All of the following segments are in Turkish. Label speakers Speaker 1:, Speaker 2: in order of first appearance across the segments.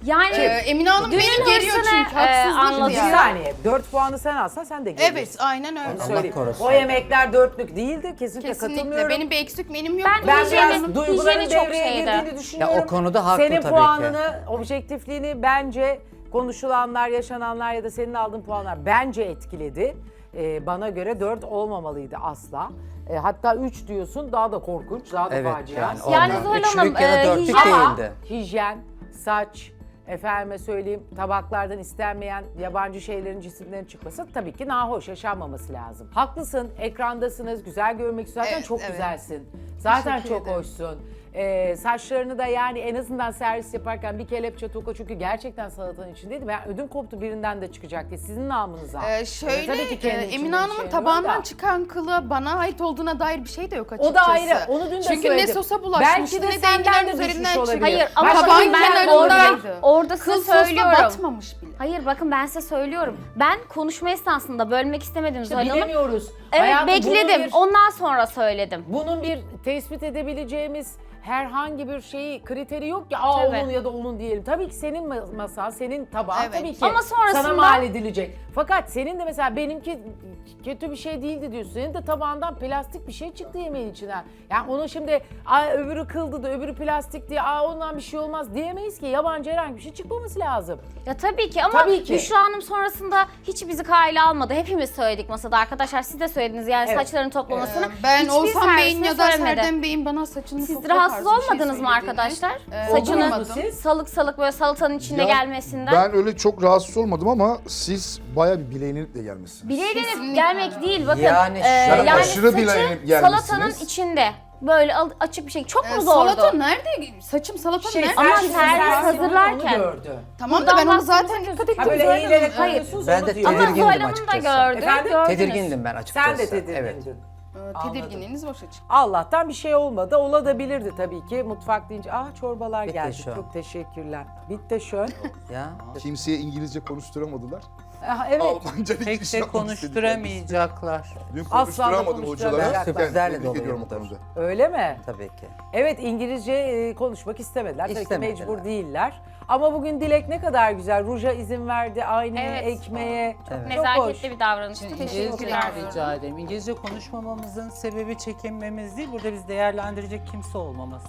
Speaker 1: Yani
Speaker 2: Emine Hanım
Speaker 1: dünün
Speaker 2: beni geriyor
Speaker 1: hırsını,
Speaker 2: çünkü haksızlık
Speaker 1: anladım.
Speaker 3: Bir
Speaker 2: ya.
Speaker 3: saniye. 4 puanı sen alsan sen de geliyorsun.
Speaker 2: Evet aynen öyle.
Speaker 3: Söyleyeyim.
Speaker 4: korusun.
Speaker 3: O yemekler dörtlük değildi. Kesinlikle katılmıyorum.
Speaker 2: Kesinlikle. Benim bir eksik menüm yok.
Speaker 3: Ben
Speaker 1: Hijyeni-
Speaker 3: biraz duyguların
Speaker 1: hijyeni çok
Speaker 3: devreye
Speaker 1: şeydi.
Speaker 3: girdiğini düşünüyorum.
Speaker 4: Ya o konuda haklı
Speaker 3: Senin
Speaker 4: tabii
Speaker 3: puanını, objektifliğini bence konuşulanlar, yaşananlar ya da senin aldığın puanlar bence etkiledi. Bana göre 4 olmamalıydı asla. Hatta 3 diyorsun, daha da korkunç, daha da
Speaker 4: Evet
Speaker 3: facia.
Speaker 4: yani.
Speaker 1: Yani
Speaker 4: olmaz.
Speaker 1: Zuhal
Speaker 4: Üçlük
Speaker 1: Hanım,
Speaker 4: ya da dörtlük
Speaker 1: hijyen-
Speaker 3: Ama
Speaker 4: değildi.
Speaker 3: hijyen, saç, efendime söyleyeyim tabaklardan istenmeyen yabancı şeylerin, cisimlerin çıkması tabii ki nahoş, yaşanmaması lazım. Haklısın, ekrandasınız, güzel görmek zaten
Speaker 2: Evet,
Speaker 3: çok
Speaker 2: evet.
Speaker 3: güzelsin. Zaten
Speaker 2: Teşekkür
Speaker 3: çok
Speaker 2: ederim.
Speaker 3: hoşsun. Saçlarını da yani en azından servis yaparken bir kelepçe toka çünkü gerçekten salatanın içindeydi. Ben ödüm koptu birinden de çıkacak diye sizin namınıza.
Speaker 2: Şöyle
Speaker 3: Tabii ki kendi içinde
Speaker 2: Emine
Speaker 3: bir
Speaker 2: Hanım'ın
Speaker 3: şey yok
Speaker 2: tabağından
Speaker 3: da.
Speaker 2: çıkan kılı bana ait olduğuna dair bir şey de yok açıkçası.
Speaker 3: O da ayrı. Onu dün de
Speaker 2: Çünkü
Speaker 3: söyledim.
Speaker 2: ne sosa bulaşmıştı
Speaker 3: Belki de
Speaker 2: ne de
Speaker 3: senden
Speaker 2: enginar
Speaker 3: de düşmüş
Speaker 2: üzerinden
Speaker 3: olabilir.
Speaker 2: çıktı.
Speaker 1: Hayır ama
Speaker 3: Başka
Speaker 1: bakın
Speaker 2: tabağın
Speaker 1: ben
Speaker 2: kenarındaydı.
Speaker 1: orada size
Speaker 2: Kıl sosla
Speaker 1: söylüyorum.
Speaker 2: batmamış bile.
Speaker 1: Hayır bakın ben size söylüyorum. Ben konuşma esnasında bölmek istemedim Zuhal Hanım.
Speaker 3: Bilemiyoruz.
Speaker 1: Evet
Speaker 3: Hayatım,
Speaker 1: bekledim.
Speaker 3: bunun bir-
Speaker 1: Ondan sonra söyledim.
Speaker 3: Bunun bir tespit edebileceğimiz herhangi bir kriteri yok ki. Aa
Speaker 1: Tabii.
Speaker 3: onun ya da onun diyelim. Tabii ki senin masan, senin tabağın
Speaker 2: Evet.
Speaker 3: tabii ki
Speaker 1: Ama sonrasında-
Speaker 3: sana mal edilecek. Fakat senin de mesela benimki kötü bir şey değildi diyorsun. Senin de tabağından plastik bir şey çıktı yemeğin içinden. Yani onu şimdi öbürü kıldı da öbürü plastik diye ondan bir şey olmaz diyemeyiz ki. Yabancı herhangi bir şey çıkmaması lazım.
Speaker 1: Ya tabii ki ama
Speaker 3: Tabii ki.
Speaker 1: Büşra Hanım sonrasında hiç bizi kayla almadı. Hepimiz söyledik masada arkadaşlar. Siz de söylediniz yani
Speaker 3: Evet.
Speaker 1: saçlarını toplamasını.
Speaker 2: Ben
Speaker 1: Hiçbir
Speaker 2: Olsan Bey'in
Speaker 1: servisine
Speaker 2: ya da
Speaker 1: söylemedi.
Speaker 2: Serdem Bey'in bana saçını
Speaker 1: Siz
Speaker 2: topla
Speaker 1: rahatsız
Speaker 2: tarzı bir şey
Speaker 1: olmadınız mı
Speaker 2: söylediğini,
Speaker 1: arkadaşlar?
Speaker 3: Oldunuz
Speaker 1: Saçını
Speaker 3: mu siz?
Speaker 1: salık salık böyle salatanın içinde
Speaker 5: Ya,
Speaker 1: gelmesinden.
Speaker 5: Ben öyle çok rahatsız olmadım ama siz bayağı bir bileğinlikle gelmişsiniz.
Speaker 1: Bileğlenip
Speaker 2: Kesinlikle.
Speaker 1: gelmek değil bakın.
Speaker 4: Yani
Speaker 5: Yani aşırı
Speaker 1: saçı
Speaker 5: bileğlenip gelmişsiniz.
Speaker 1: salatanın içinde böyle açık bir şey. Çok mu zordu?
Speaker 2: Salata nerede? Saçım salata nerede?
Speaker 1: Ama
Speaker 3: Şey, sen
Speaker 1: servis
Speaker 3: servis
Speaker 1: hazırlarken-
Speaker 3: onu gördü.
Speaker 2: Tamam da
Speaker 1: Buradan
Speaker 2: ben onu
Speaker 1: baktığımızda
Speaker 2: zaten dikkat
Speaker 1: gözüküyor.
Speaker 2: ettim.
Speaker 3: Ha böyle
Speaker 2: Zuhal
Speaker 3: eğilerek
Speaker 2: Hanım.
Speaker 3: alıyorsunuz
Speaker 4: Ben
Speaker 3: onu
Speaker 4: de
Speaker 3: diyor.
Speaker 1: Ama
Speaker 4: tedirgindim
Speaker 1: Zuhal Hanım da
Speaker 4: açıkçası.
Speaker 1: gördü.
Speaker 3: Efendim?
Speaker 1: Gördünüz.
Speaker 4: Tedirgindim ben açıkçası.
Speaker 3: Sen de tedirgindin.
Speaker 4: Evet.
Speaker 2: Tedirginliğiniz boşa çıktı.
Speaker 3: Allah'tan bir şey olmadı. Olabilirdi tabii ki. Mutfak deyince çorbalar
Speaker 4: Bitti
Speaker 3: geldi.
Speaker 4: şu.
Speaker 3: Çok teşekkürler. Bitti şön.
Speaker 4: Ya.
Speaker 5: Kimseye İngilizce konuşturamadılar.
Speaker 3: Evet.
Speaker 5: Almanca
Speaker 6: Pek de konuşturamayacaklar.
Speaker 5: Dün
Speaker 3: Asla da
Speaker 5: konuşturamadım hocalara.
Speaker 3: konuşturamayacaklar.
Speaker 4: Sürprizlerle
Speaker 5: Tebrik ediyorum o
Speaker 4: doluyumdur.
Speaker 5: konuda.
Speaker 3: Öyle mi?
Speaker 4: Tabii ki.
Speaker 3: Evet İngilizce konuşmak istemediler. Tabii ki
Speaker 4: İstemediler.
Speaker 3: mecbur değiller. Ama bugün Dilek ne kadar güzel. Ruja izin verdi, aynaya,
Speaker 1: Evet.
Speaker 3: ekmeğe.
Speaker 4: Evet.
Speaker 3: Çok
Speaker 1: Nezaketli bir davranıştı.
Speaker 6: İngilizce
Speaker 1: Teşekkürler.
Speaker 6: rica ederim. İngilizce konuşmamamızın sebebi çekinmemiz değil, burada biz değerlendirecek kimse olmaması.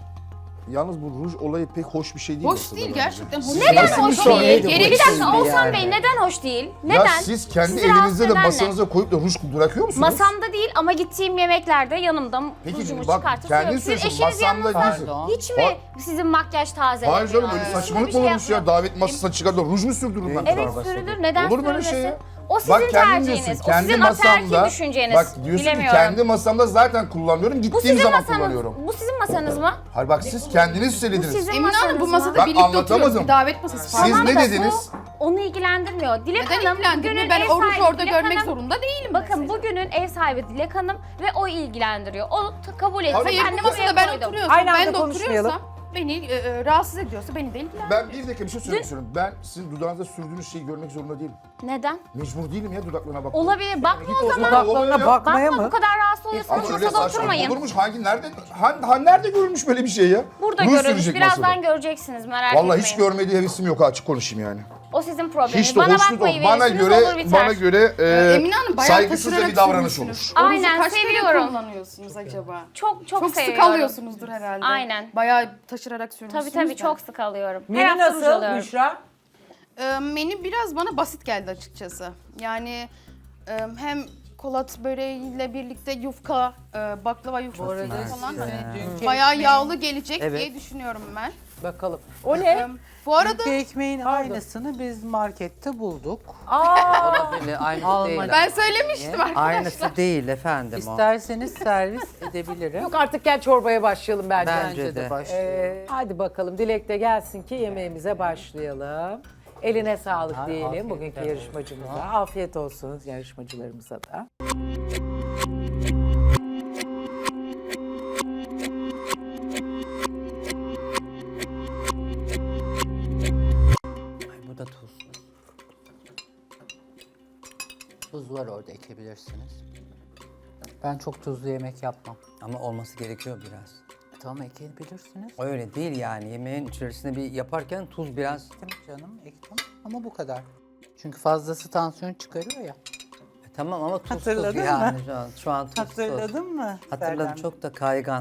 Speaker 5: Yalnız bu ruj olayı pek hoş bir şey değil.
Speaker 2: Hoş
Speaker 5: aslında
Speaker 2: değil
Speaker 5: bence.
Speaker 2: gerçekten. Hoş
Speaker 1: Neden
Speaker 2: değil.
Speaker 1: hoş
Speaker 4: Sonra
Speaker 1: değil?
Speaker 4: neydi bu
Speaker 1: Bir dakika
Speaker 4: şimdi
Speaker 1: Oğuzhan
Speaker 4: yani?
Speaker 1: Bey neden hoş değil?
Speaker 5: Ya
Speaker 1: Neden?
Speaker 5: siz kendi
Speaker 1: Sizi rahatsız
Speaker 5: elinizde de
Speaker 1: eden ne?
Speaker 5: masanıza koyup da ruj bırakıyor musunuz?
Speaker 1: Masamda değil ama gittiğim yemeklerde yanımda
Speaker 5: Peki
Speaker 1: rujumu
Speaker 5: bak
Speaker 1: çıkartıp
Speaker 5: kendin
Speaker 1: sürüyorum. Siz
Speaker 5: söylüyorsun
Speaker 1: eşiniz
Speaker 5: masamda
Speaker 1: yanınızda
Speaker 5: değilsin.
Speaker 6: Pardon.
Speaker 1: hiç mi sizin makyaj tazelemiyor?
Speaker 5: Hayır canım öyle
Speaker 1: Hiç mi
Speaker 5: saçmalık
Speaker 1: bir
Speaker 5: mı
Speaker 1: şey
Speaker 5: olurmuş ya?
Speaker 1: yapmıyor?
Speaker 5: Davet masasına çıkar da ruj mu sürdürürüm ben?
Speaker 1: Evet sürülür. Neden
Speaker 5: Olur mu öyle
Speaker 1: sürülmesin?
Speaker 5: şey ya?
Speaker 1: O sizin
Speaker 5: Bak kendin
Speaker 1: tercihiniz.
Speaker 5: diyorsun,
Speaker 1: O
Speaker 5: kendi
Speaker 1: sizin ataerkil
Speaker 5: masamda,
Speaker 1: düşünceniz.
Speaker 5: bak diyorsun ki
Speaker 1: Bilemiyorum.
Speaker 5: kendi masamda zaten kullanıyorum,
Speaker 1: Bu
Speaker 5: gittiğim
Speaker 1: sizin
Speaker 5: zaman
Speaker 1: masanız.
Speaker 5: kullanıyorum.
Speaker 1: Bu sizin masanız mı?
Speaker 5: Hayır bak siz kendiniz söylediniz.
Speaker 1: sizin
Speaker 2: Emine Hanım bu
Speaker 1: masanız
Speaker 2: masada
Speaker 1: mı?
Speaker 5: Ben
Speaker 2: birlikte
Speaker 5: anlatamadım.
Speaker 2: oturuyoruz. Bir davet masası
Speaker 5: Siz
Speaker 2: falan.
Speaker 5: ne
Speaker 1: da
Speaker 5: dediniz?
Speaker 1: Bu onu ilgilendirmiyor. Dilek
Speaker 2: Neden
Speaker 1: Hanım
Speaker 2: ilgilendirmiyor?
Speaker 1: bugünün
Speaker 2: Ben
Speaker 1: ev
Speaker 2: o ruju
Speaker 1: sahibi
Speaker 2: orada
Speaker 1: Dilek
Speaker 2: görmek
Speaker 1: Hanım-
Speaker 2: zorunda değilim.
Speaker 1: Bakın
Speaker 2: mesela.
Speaker 1: bugünün ev sahibi Dilek Hanım ve o ilgilendiriyor. O kabul etti.
Speaker 5: Hayır,
Speaker 2: Hayır
Speaker 1: Ben de
Speaker 2: bu masada
Speaker 1: buraya
Speaker 2: ben
Speaker 1: koydum.
Speaker 2: oturuyorsam,
Speaker 3: Aynı anda
Speaker 2: ben de
Speaker 3: konuşmayalım.
Speaker 2: oturuyorsam beni rahatsız ediyorsa beni de ilgilendirmiyor.
Speaker 5: Ben bir dakika bir şey söylemek istiyorum. Ben sizin dudağınıza sürdüğünüz şeyi görmek zorunda değilim.
Speaker 1: Neden?
Speaker 5: Mecbur değilim ya dudaklarına bakmaya.
Speaker 1: Olabilir. Bakma
Speaker 5: Git
Speaker 1: o zaman.
Speaker 3: Dudaklarına bakmaya
Speaker 1: Bakma
Speaker 3: mı?
Speaker 1: bu kadar rahatsız oluyorsanız
Speaker 5: Ama öyle
Speaker 1: masada
Speaker 5: saçma
Speaker 1: oturmayın.
Speaker 5: olurmuş. Nerede görülmüş böyle bir şey ya?
Speaker 1: Burada
Speaker 5: Ruj
Speaker 1: görürüz.
Speaker 5: sürecek
Speaker 1: Birazdan
Speaker 5: masada.
Speaker 1: göreceksiniz merak etmeyin.
Speaker 5: Vallahi hiç görmediği hevesim yok açık konuşayım yani.
Speaker 1: O sizin probleminiz.
Speaker 5: Hiç de
Speaker 1: Bana
Speaker 5: hoşnut
Speaker 1: bakmayı
Speaker 5: ol. Bana
Speaker 1: verirsiniz olur
Speaker 5: göre
Speaker 1: biter.
Speaker 2: Emine Hanım bayağı
Speaker 5: saygısızca
Speaker 2: taşırarak
Speaker 5: bir davranış
Speaker 2: sürmüşsünüz.
Speaker 5: olur.
Speaker 2: O
Speaker 1: Aynen,
Speaker 2: ruju kaç kere
Speaker 1: seviyorum.
Speaker 2: kullanıyorsunuz acaba?
Speaker 1: Çok
Speaker 2: Çok sık
Speaker 1: seviyorum.
Speaker 2: alıyorsunuzdur herhalde.
Speaker 1: Aynen.
Speaker 2: Bayağı taşırarak sürmüşsünüz.
Speaker 1: Tabii
Speaker 2: de.
Speaker 1: çok sık alıyorum. Her
Speaker 3: Menü
Speaker 1: hafta ruj
Speaker 3: nasıl
Speaker 1: alıyorum.
Speaker 3: Büşra?
Speaker 2: Menü biraz bana basit geldi açıkçası. Yani hem kolat böreğiyle birlikte yufka, baklava yufkası falan bayağı yağlı gelecek
Speaker 4: Evet.
Speaker 2: diye düşünüyorum ben.
Speaker 3: Bakalım. O ne?
Speaker 2: Bu arada
Speaker 6: Dünkü ekmeğin aynısını biz markette bulduk.
Speaker 4: Olabilir. Aynısı değil.
Speaker 2: ben söylemiştim arkadaşlar.
Speaker 4: Aynısı değil efendim o.
Speaker 6: İsterseniz servis edebilirim.
Speaker 3: Yok artık gel çorbaya başlayalım bence.
Speaker 4: Bence de.
Speaker 6: başlayalım.
Speaker 3: Hadi bakalım Dilek de gelsin ki yemeğimize başlayalım. Eline sağlık
Speaker 6: Ay,
Speaker 3: diyelim
Speaker 6: afiyetler
Speaker 3: bugünkü
Speaker 6: olsun.
Speaker 3: yarışmacımıza. Afiyet olsun yarışmacılarımıza da.
Speaker 6: Ay, bu da tuz. Tuz var orada ekleyebilirsiniz. Ben çok tuzlu yemek yapmam.
Speaker 4: Ama olması gerekiyor biraz.
Speaker 6: Tamam ekleyebilirsiniz.
Speaker 4: Öyle değil yani. Yemeğin içerisinde bir yaparken tuz biraz...
Speaker 6: Ektim canım ektim ama bu kadar. Çünkü fazlası tansiyon çıkarıyor ya.
Speaker 4: Tamam ama tuzsuz
Speaker 6: Hatırladın
Speaker 4: yani
Speaker 6: mı?
Speaker 4: şu an tuzsuz.
Speaker 6: Hatırladın mı?
Speaker 4: Hatırladım,
Speaker 6: Serdar?
Speaker 4: çok da kaygan.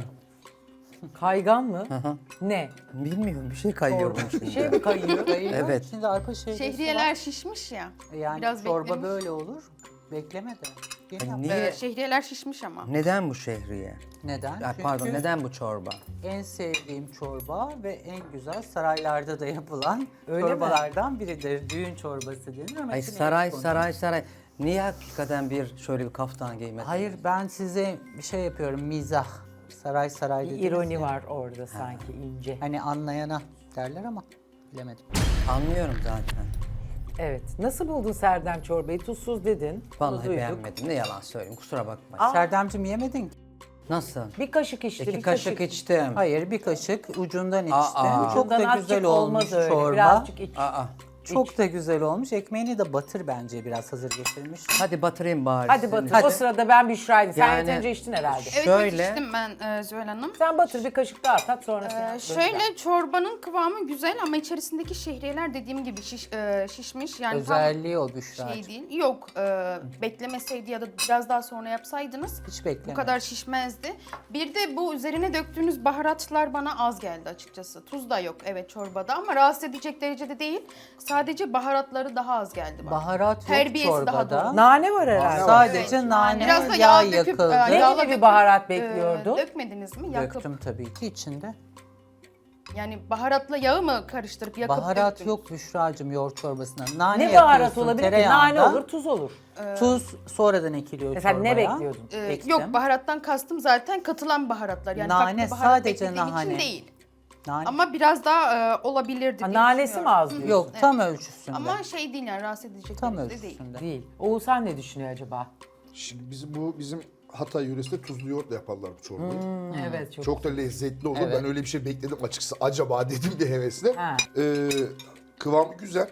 Speaker 3: Kaygan mı?
Speaker 4: hı.
Speaker 3: Ne?
Speaker 4: Bilmiyorum, bir şey kayıyor bunun
Speaker 3: Bir
Speaker 4: içinde.
Speaker 3: şey mi kayıyor?
Speaker 4: Evet.
Speaker 6: Şimdi arpa
Speaker 2: Şehriyeler şişmiş ya.
Speaker 6: Yani
Speaker 2: biraz
Speaker 6: çorba
Speaker 2: beklemiş.
Speaker 6: böyle olur. Bekleme de. Yeni yap.
Speaker 4: Niye?
Speaker 2: Şehriyeler şişmiş ama.
Speaker 4: Neden bu şehriye?
Speaker 6: Neden?
Speaker 4: Ay, pardon,
Speaker 6: Çünkü
Speaker 4: neden bu çorba?
Speaker 6: en sevdiğim çorba ve en güzel saraylarda da yapılan
Speaker 3: Öyle mi?
Speaker 6: çorbalardan biridir. Düğün çorbası denir ama
Speaker 4: Ay
Speaker 6: içine
Speaker 4: saray
Speaker 6: et konur.
Speaker 4: saray. Niye hakikaten şöyle bir kaftan giymedin?
Speaker 6: Hayır ben size bir şey yapıyorum mizah. Saray
Speaker 3: Bir
Speaker 6: dediniz
Speaker 3: ironi
Speaker 6: ya.
Speaker 3: var orada sanki ince.
Speaker 6: Hani anlayana derler ama bilemedim.
Speaker 4: Anlıyorum zaten.
Speaker 3: Evet. Nasıl buldun Serdem çorbayı? Tuzsuz dedin. Bunu
Speaker 4: Vallahi
Speaker 3: duyduk.
Speaker 4: beğenmedim. Ne yalan söyleyeyim, kusura bakma.
Speaker 6: Serdemciğim yemedin ki.
Speaker 4: Nasıl?
Speaker 3: Bir kaşık içti.
Speaker 4: 2
Speaker 3: bir
Speaker 4: kaşık içtim.
Speaker 6: Hayır bir kaşık ucundan içtim.
Speaker 4: Aa.
Speaker 6: Çok da
Speaker 3: Ucundan
Speaker 6: güzel
Speaker 3: azıcık
Speaker 6: olmuş
Speaker 3: olmaz öyle.
Speaker 6: çorba.
Speaker 3: Birazcık iç.
Speaker 4: Aa.
Speaker 6: Çok da güzel olmuş. Ekmeğini de batır bence biraz hazır getirmiş.
Speaker 4: Hadi batırayım bari.
Speaker 3: Hadi
Speaker 4: seni.
Speaker 3: batır. O sırada ben Büşra'ydım. Sen
Speaker 4: Yani-
Speaker 3: yeterince içtin herhalde.
Speaker 2: Evet
Speaker 4: Şöyle-
Speaker 2: evet içtim ben Zühal Hanım.
Speaker 3: Sen batır bir kaşık daha tat sonra sen.
Speaker 2: Şöyle çorbanın kıvamı güzel ama içerisindeki şehriyeler dediğim gibi şişmiş. Yani
Speaker 6: Özelliği o
Speaker 2: tam
Speaker 6: Büşra.
Speaker 2: şey değil. Yok beklemeseydi ya da biraz daha sonra yapsaydınız
Speaker 6: Hiç bekleme.
Speaker 2: bu kadar şişmezdi. Bir de bu üzerine döktüğünüz baharatlar bana az geldi açıkçası. Tuz da yok evet çorbada ama rahatsız edecek derecede değil. Sadece baharatları daha az geldi bana.
Speaker 6: Baharat yok
Speaker 2: Terbiyesi daha
Speaker 6: çorbada.
Speaker 2: doğru.
Speaker 3: Nane var herhalde.
Speaker 6: Sadece
Speaker 2: Evet,
Speaker 6: nane,
Speaker 2: biraz da
Speaker 6: yağ
Speaker 2: yağ döküp,
Speaker 6: yakıldı.
Speaker 3: Ne
Speaker 2: yağla
Speaker 3: gibi bir
Speaker 2: döküp,
Speaker 3: baharat bekliyordun?
Speaker 2: Dökmediniz mi? Yakıp.
Speaker 6: Döktüm tabii ki içinde.
Speaker 2: Yani baharatla yağı mı karıştırıp yakıp
Speaker 6: Baharat
Speaker 2: döktünüz?
Speaker 6: yok Büşra'cığım yoğurt çorbasına. Nane
Speaker 3: Ne baharat
Speaker 6: yakıyorsun
Speaker 3: olabilir ki?
Speaker 6: tereyağında.
Speaker 3: Nane olur, tuz olur.
Speaker 6: Tuz sonradan ekiliyor
Speaker 3: Mesela ne
Speaker 6: çorbaya.
Speaker 3: bekliyordun?
Speaker 6: Ektim.
Speaker 2: Yok baharattan kastım zaten katılan baharatlar. Yani
Speaker 6: Nane,
Speaker 2: farklı baharat
Speaker 6: sadece
Speaker 2: beklediğim
Speaker 6: nane.
Speaker 2: için değil.
Speaker 6: Nane.
Speaker 2: Ama biraz daha olabilirdi
Speaker 3: Ha,
Speaker 2: diye
Speaker 3: nanesi mi
Speaker 2: düşünüyorum.
Speaker 3: az diyorsun?
Speaker 6: Yok tam ölçüsünde.
Speaker 2: Ama şey değil yani rahatsız edecek
Speaker 6: tam
Speaker 2: derecede değil.
Speaker 6: ölçüsünde.
Speaker 3: Değil. Oğuzhan ne düşünüyor acaba?
Speaker 5: Şimdi bizim Hatay yöresinde tuzlu yoğurtla yaparlar bu çorbayı.
Speaker 3: Evet çok.
Speaker 5: Çok da lezzetli olur.
Speaker 6: Evet.
Speaker 5: Ben öyle bir şey bekledim açıkçası. Acaba dedim bir hevesle.
Speaker 3: Ha.
Speaker 5: Kıvamı güzel.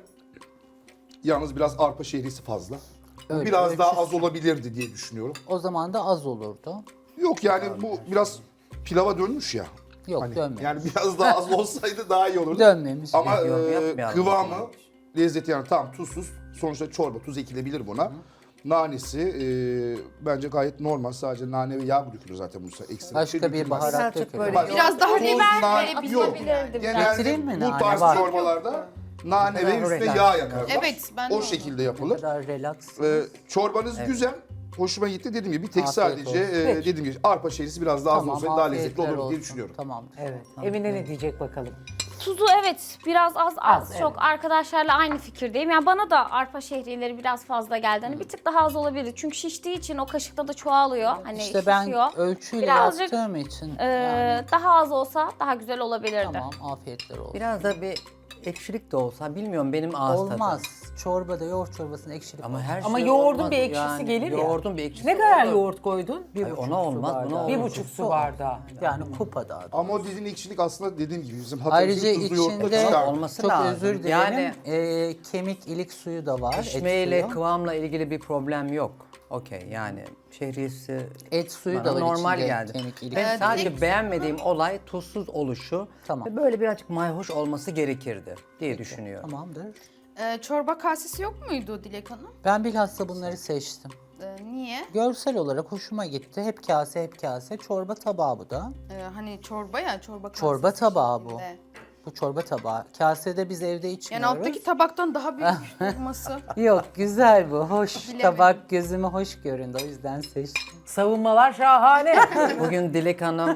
Speaker 5: Yalnız biraz arpa şehriyesi fazla.
Speaker 6: Öyle,
Speaker 5: Biraz daha
Speaker 6: ölçüsü.
Speaker 5: az olabilirdi diye düşünüyorum.
Speaker 6: O zaman da az olurdu.
Speaker 5: Yok yani bu biraz pilava dönmüş ya.
Speaker 6: Yok
Speaker 5: Hani,
Speaker 6: dönmemiş.
Speaker 5: yani biraz daha az olsaydı daha iyi olurdu.
Speaker 6: Dönmemiş.
Speaker 5: Ama
Speaker 4: Yorum yapmayalım.
Speaker 5: kıvamı, lezzeti yani tam tuzsuz. Sonuçta çorba, tuz ekilebilir buna. Nanesi bence gayet normal. Sadece nane ve yağ dökülür zaten bu ekstra.
Speaker 6: Başka bir
Speaker 5: dökülmez.
Speaker 6: baharat
Speaker 4: Birazcık
Speaker 6: dökülür.
Speaker 4: böyle-
Speaker 5: Başka-
Speaker 2: Biraz daha
Speaker 5: Tuz,
Speaker 2: biber
Speaker 5: nane-
Speaker 2: verebilirdi.
Speaker 6: Getireyim mi
Speaker 5: Genelde bu
Speaker 6: nane?
Speaker 5: tarz
Speaker 6: Var.
Speaker 5: çorbalarda nane ve üstüne
Speaker 4: relax.
Speaker 5: yağ yakarlar.
Speaker 2: Evet, ben de
Speaker 5: O
Speaker 2: onu-
Speaker 5: şekilde
Speaker 6: Ne
Speaker 5: yapılır.
Speaker 6: kadar relax.
Speaker 5: Çorbanız güzel. Hoşuma gitti dediğim gibi bir tek
Speaker 6: Afiyet
Speaker 5: sadece
Speaker 6: olsun.
Speaker 5: dediğim gibi arpa şehriyesi biraz daha az
Speaker 6: Tamam,
Speaker 5: olsaydı daha lezzetli
Speaker 6: afiyetler
Speaker 5: olurdu diye
Speaker 6: olsun.
Speaker 5: düşünüyorum.
Speaker 6: Tamam.
Speaker 3: Evet. Emine ne diyecek bakalım?
Speaker 1: Tuzu evet biraz az
Speaker 3: Az,
Speaker 1: çok arkadaşlarla aynı fikirdeyim. Yani bana da arpa şehriyeleri biraz fazla geldi. Hani bir tık daha az olabilir. Çünkü şiştiği için o kaşıkta da çoğalıyor. Hani
Speaker 6: İşte ben
Speaker 1: şişiyor.
Speaker 6: ölçüyle
Speaker 1: Birazcık,
Speaker 6: yaptığım için
Speaker 1: Daha az olsa daha güzel olabilirdi.
Speaker 6: tamam afiyetler olsun.
Speaker 4: Biraz da bir ekşilik de olsa bilmiyorum, benim ağız tadım.
Speaker 6: Olmaz. Çorbada yoğurt çorbasında ekşilik
Speaker 4: Ama
Speaker 6: olmaz.
Speaker 4: her
Speaker 3: Ama
Speaker 4: şey
Speaker 3: yoğurdun
Speaker 4: olmaz
Speaker 3: bir ekşisi
Speaker 4: yani.
Speaker 3: gelir ya.
Speaker 4: Yoğurdun bir ekşisi
Speaker 3: Ne kadar
Speaker 4: olur.
Speaker 3: yoğurt koydun?
Speaker 6: Bir
Speaker 4: Ay,
Speaker 6: buçuk
Speaker 4: ona
Speaker 6: su
Speaker 4: olmaz, buna
Speaker 6: bardağı.
Speaker 4: olmaz.
Speaker 3: 1,5 su bardağı.
Speaker 6: Yani kupada.
Speaker 5: Ama o dediğin ekşilik aslında dediğim gibi bizim
Speaker 6: Ayrıca
Speaker 5: Hatay'ın tuzlu yoğurtla
Speaker 6: içinde
Speaker 5: çıkar.
Speaker 4: olması
Speaker 6: çok
Speaker 4: lazım.
Speaker 6: özür dilerim.
Speaker 4: Yani-
Speaker 6: Kemik ilik suyu da var.
Speaker 4: Pişmeyle,
Speaker 6: et suyu.
Speaker 4: kıvamla ilgili bir problem yok. Okey, yani şehriyesi
Speaker 6: Et suyu
Speaker 4: bana
Speaker 6: da var
Speaker 4: normal
Speaker 6: içinde,
Speaker 4: geldi.
Speaker 6: kemik ilik.
Speaker 4: Ben sadece
Speaker 2: direkt-
Speaker 4: beğenmediğim olay tuzsuz oluşu
Speaker 6: Tamam.
Speaker 4: ve böyle birazcık mayhoş olması gerekirdi diye düşünüyorum.
Speaker 6: Tamamdır.
Speaker 2: Çorba kasesi yok muydu Dilek Hanım?
Speaker 6: Ben bilhassa bunları seçtim.
Speaker 2: Niye?
Speaker 6: Görsel olarak hoşuma gitti. Hep kase hep kase. Çorba tabağı bu da.
Speaker 2: Hani çorba ya çorba kasesi.
Speaker 6: Çorba tabağı bu.
Speaker 2: şeklinde.
Speaker 6: Bu çorba tabağı. Kasede biz evde
Speaker 2: Yani
Speaker 6: içmiyoruz.
Speaker 2: alttaki tabaktan daha büyük olması.
Speaker 6: Yok güzel bu. Hoş.
Speaker 2: Bilemedim.
Speaker 6: Tabak gözüme hoş göründü. O yüzden seçtim.
Speaker 3: Savunmalar şahane.
Speaker 4: Bugün Dilek Hanım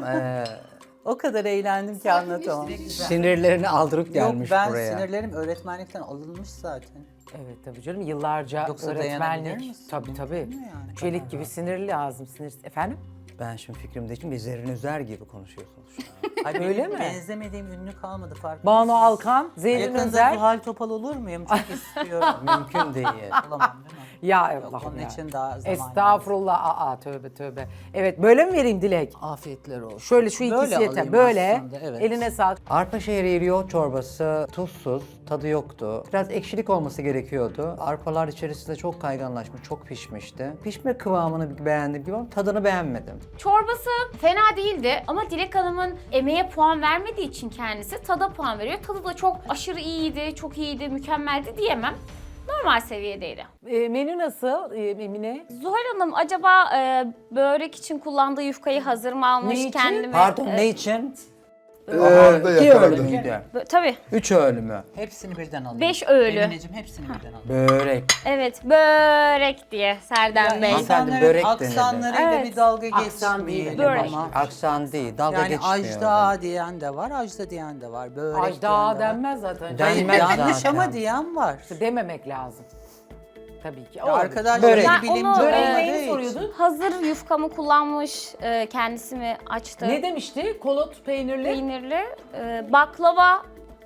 Speaker 6: O kadar eğlendim ki anlatamam.
Speaker 4: sinirlerini aldırıp
Speaker 6: Yok
Speaker 4: gelmiş
Speaker 6: ben
Speaker 4: buraya.
Speaker 6: sinirlerim öğretmenlikten alınmış zaten.
Speaker 3: Evet tabii canım yıllarca
Speaker 6: Yoksa dayanabilir
Speaker 3: öğretmenlik.
Speaker 6: misin?
Speaker 3: Tabii tabii.
Speaker 6: yani?
Speaker 3: Çelik gibi sinirli lazım. Sinir... Efendim?
Speaker 4: Ben şimdi fikrimde için bir Zerrin Özer gibi konuşuyorsunuz şu an.
Speaker 6: Ay,
Speaker 3: Öyle
Speaker 6: benim
Speaker 3: mi?
Speaker 6: Benzemediğim ünlü kalmadı fark.
Speaker 3: Banu Alkan, Zerrin
Speaker 6: Yakında
Speaker 3: Özer.
Speaker 6: Zuhal Topal olur muyum? Çok istiyorum.
Speaker 4: Mümkün değil.
Speaker 6: Olamam değil mi?
Speaker 3: Ya
Speaker 6: Yok,
Speaker 3: Allah'ım
Speaker 6: onun
Speaker 3: ya.
Speaker 6: için daha zaman
Speaker 3: Estağfurullah. Aa, tövbe tövbe. Evet, böyle mi vereyim Dilek?
Speaker 6: Afiyetler olsun.
Speaker 3: Şöyle şu ikisi
Speaker 6: Böyle
Speaker 3: yeter.
Speaker 6: alayım
Speaker 3: Böyle.
Speaker 6: aslında, evet.
Speaker 3: Eline sağlık.
Speaker 4: Arpa şehriye yoğurt çorbası tuzsuz, tadı yoktu. Biraz ekşilik olması gerekiyordu. Arpalar içerisinde çok kayganlaşmış, çok pişmişti. Pişme kıvamını beğendim gibi ama tadını beğenmedim.
Speaker 1: Çorbası fena değildi ama Dilek Hanım'ın emeğe puan vermediği için kendisi tada puan veriyor. Tadı da çok aşırı iyiydi, çok iyiydi, mükemmeldi diyemem. Normal seviyedeydi.
Speaker 3: Menü nasıl Emine?
Speaker 1: Zuhal Hanım acaba börek için kullandığı yufkayı hazır mı almış
Speaker 3: Ne için?
Speaker 1: kendime?
Speaker 4: Pardon ne için?
Speaker 5: Ahanda
Speaker 4: 2
Speaker 5: yakaladı.
Speaker 4: öğlü müydü?
Speaker 1: Tabii.
Speaker 4: 3 öğlü mü?
Speaker 6: Hepsini birden alayım.
Speaker 1: 5 öğlü.
Speaker 6: Emineciğim hepsini birden alayım.
Speaker 4: Börek.
Speaker 1: Evet, börek diye Serdar Bey.
Speaker 4: Hanımefendi, börek denedi.
Speaker 6: aksanlarıyla
Speaker 1: Evet.
Speaker 6: bir dalga
Speaker 3: Aksan değil,
Speaker 6: geçmeyelim
Speaker 1: börek.
Speaker 6: ama.
Speaker 4: Aksan değil, dalga
Speaker 6: Yani
Speaker 4: geçmiyor.
Speaker 6: ajda diyen de var, ajda diyen de var. Börek
Speaker 3: Ajda
Speaker 6: diyen de var.
Speaker 3: denmez zaten.
Speaker 4: Denmez
Speaker 6: Yanlış
Speaker 4: zaten.
Speaker 6: ama diyen var.
Speaker 3: Dememek lazım. Tabii ki.
Speaker 6: Ya
Speaker 3: Olabilir.
Speaker 6: arkadaşlar
Speaker 4: Börek.
Speaker 1: Ben
Speaker 6: bilimci
Speaker 1: onu,
Speaker 3: Böreği
Speaker 6: olmadığı
Speaker 3: neyini
Speaker 6: için.
Speaker 3: soruyordun?
Speaker 1: Hazır yufkamı kullanmış, kendisi mi açtı?
Speaker 3: Ne demişti? Kolot peynirli.
Speaker 1: Peynirli, baklava,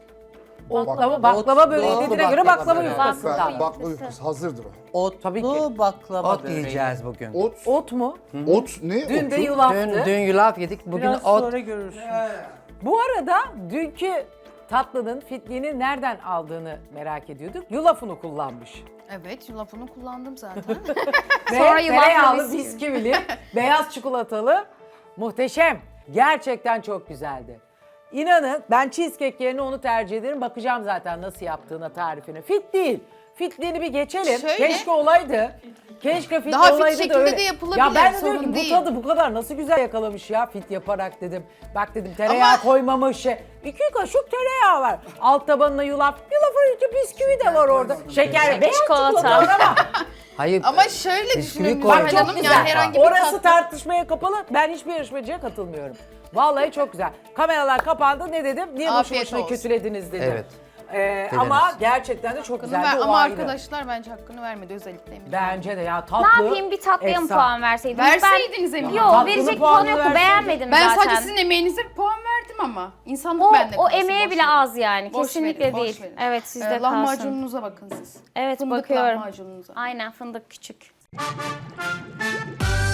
Speaker 3: Baklava böreği
Speaker 6: Otlu
Speaker 3: dediğine göre baklava
Speaker 4: böreği.
Speaker 3: yufkası.
Speaker 1: Baklava.
Speaker 3: da.
Speaker 5: Baklava yufkası hazırdır o.
Speaker 6: Otlu
Speaker 3: Tabii ki.
Speaker 6: baklava
Speaker 4: Ot
Speaker 6: böreği.
Speaker 4: yiyeceğiz bugün.
Speaker 5: Ot,
Speaker 3: Ot mu?
Speaker 5: ot ne?
Speaker 3: Dün de
Speaker 5: Otu?
Speaker 3: yulaftı.
Speaker 4: Dün yulaf yedik, bugün
Speaker 6: Biraz
Speaker 4: ot.
Speaker 6: sonra görürsün.
Speaker 3: Bu arada dünkü tatlının fitliğini nereden aldığını merak ediyorduk. Yulafını kullanmış.
Speaker 2: Evet, yulafını kullandım zaten.
Speaker 3: Ve
Speaker 1: Sonra yulafla
Speaker 3: tereyağlı,
Speaker 1: bisküvi.
Speaker 3: bisküvili, beyaz çikolatalı. Muhteşem. Gerçekten çok güzeldi. İnanın ben cheesecake yerine onu tercih ederim. Bakacağım zaten nasıl yaptığına, tarifine. Fit değil. Fitliğini bir geçelim.
Speaker 2: Şöyle.
Speaker 3: Keşke olaydı. Keşke fit
Speaker 2: Daha fit
Speaker 3: olaydı da
Speaker 2: şekilde
Speaker 3: öyle.
Speaker 2: de yapılabilir,
Speaker 3: Ya ben de
Speaker 2: sorun
Speaker 3: diyorum ki bu
Speaker 2: değil.
Speaker 3: tadı bu kadar nasıl güzel yakalamış ya fit yaparak dedim. Bak dedim tereyağı
Speaker 2: Ama-
Speaker 3: koymamış. 2 kaşık tereyağı var. Alt tabanına yulaf. Yulafın içinde bisküvi de var orada. Şeker, beyaz
Speaker 1: Çikolata.
Speaker 3: çikolata var ama.
Speaker 4: Hayır.
Speaker 2: Ama şöyle
Speaker 4: Bisküvi
Speaker 2: düşünün
Speaker 4: koy.
Speaker 2: Zuhal
Speaker 3: Bak çok
Speaker 2: Hanım,
Speaker 3: güzel.
Speaker 2: yani herhangi bir
Speaker 3: Orası
Speaker 2: tatlı.
Speaker 3: tartışmaya kapalı. Ben hiçbir yarışmacıya katılmıyorum. Vallahi çok güzel. Kameralar kapandı. Ne dedim? Niye boşu
Speaker 2: Afiyet
Speaker 3: boşuna
Speaker 2: olsun.
Speaker 3: kötülediniz dedim.
Speaker 4: Evet.
Speaker 3: Ama gerçekten de çok güzeldi.
Speaker 2: Ama
Speaker 3: o ayrı.
Speaker 2: arkadaşlar bence hakkını vermedi, özellikle Emine.
Speaker 3: Bence de ya tatlı.
Speaker 1: Ne yapayım, bir tatlıya mı
Speaker 3: efsane.
Speaker 1: puan verseydim?
Speaker 2: Verseydiniz Emine.
Speaker 1: Yok,
Speaker 3: Tatlının
Speaker 1: verecek
Speaker 3: puanını
Speaker 1: puanı yoktu,
Speaker 3: verseydin.
Speaker 1: beğenmedim
Speaker 2: Ben
Speaker 1: zaten.
Speaker 2: sadece sizin emeğinize bir puan verdim ama. İnsanlık
Speaker 1: o,
Speaker 2: bende
Speaker 1: o
Speaker 2: kalsın,
Speaker 1: emeğe
Speaker 2: boş
Speaker 1: bile
Speaker 2: verin.
Speaker 1: az yani,
Speaker 2: Boş
Speaker 1: kesinlikle
Speaker 2: verin, boş
Speaker 1: değil.
Speaker 2: verin.
Speaker 1: Evet, sizde kalsın.
Speaker 2: Lahmacununuza bakın siz.
Speaker 1: Evet,
Speaker 2: Fındık
Speaker 1: bakıyorum.
Speaker 2: lahmacununuza.
Speaker 1: Aynen, fındık küçük.